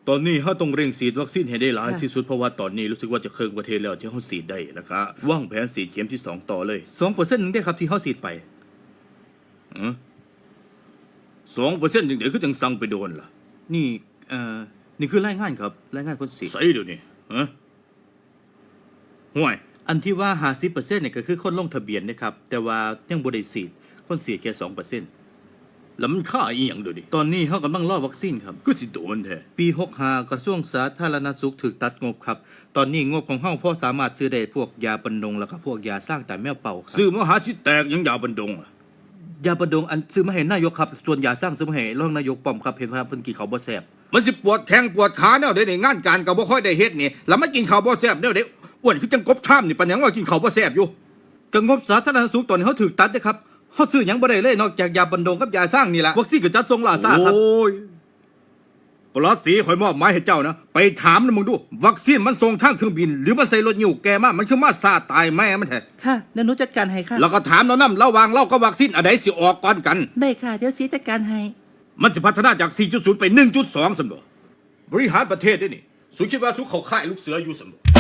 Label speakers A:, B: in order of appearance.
A: ตอนนี้เฮาต้องเร่งฉีดวัคซีนให้ได้หลายที่สุดเพราะว่าตอนนี้รู้สึกว่าจะครึ่งประเทศแล้วที่เฮาฉีดได้แล้วก็วางแผนฉีดเข็มที่2ต่อเลย2%นึงได้ครับที่เฮาฉีดไป2%จังได๋คือจังสั่งไปโดนล่ะนี่นี่คือรายงานครับรายงานคนฉีดใส่เดี๋ยวนี้ห่วยอันที่ว่า 50% เนี่ยก็คือคนลงทะเบียนนะครับแต่ว่ายังบ่ได้ฉีดคนฉีดแค่ 2%แล้วมันค่าอีหยังเดี๋ยวนี้ตอนนี้เฮากำลังรอวัคซีนครับก็สิโดนแท้ปี65กระทรวงสาธารณสุขถูกตัดงบครับตอนนี้งบของเฮาพอสามารถซื้อได้พวกยาบรรดงแล้วก็พวกยาสร้างแต่แมวเป่าซื้อมาหาสิแตกยังยาบรรดงยาบรรดงอันซื้อมาให้นายกครับส่วนยาสร้างซื้อมาให้รองนายกป้อมครับเห็นว่าเพิ่นกินข้าวบ่แซ่บมันสิปวดแข้งปวดขาแนวใดในงานการก็บ่ค่อยได้เฮ็ดนี่แล้วมากินข้าวบ่แซ่บแนวใดอ้วนคือจังกบท่ามนี่ปานหยังว่ากินข้าวบ่แซ่บอยู่ก็งบสาธารณสุขตอนนี้เฮาถูกตัดเด้ครับเฮาซื้อหยังบ่ได้เลยนอกจากยาบรรดงกับยาสร้างนี่ล่ะวัคซีนก็จัดส่งล่าช้าครับโอ้ยปลอดสีข่อยมอบหมายให้เจ้านะไปถามนะมึงดูวัคซีนมันส่งทางเครื่องบินหรือมันใส่รถยิ้วแกมามันคือมาซาตายแม่มันแท้
B: ค่ะเดี๋ยวหนูจัดการให้ค่ะ
A: แล้วก็ถามแล้วนำระหว่างเรากับวัคซีนอันใดสิออกก่อนกัน
B: ได้ค่ะเดี๋ยวสีจัดการให้
A: มันสิพัฒนาจาก 4.0 ไป 1.2 ซั่นบ่บริหารประเทศได้นี่สุคิดว่าสุเข้าค่ายลูกเสืออยู่ซั่นบ่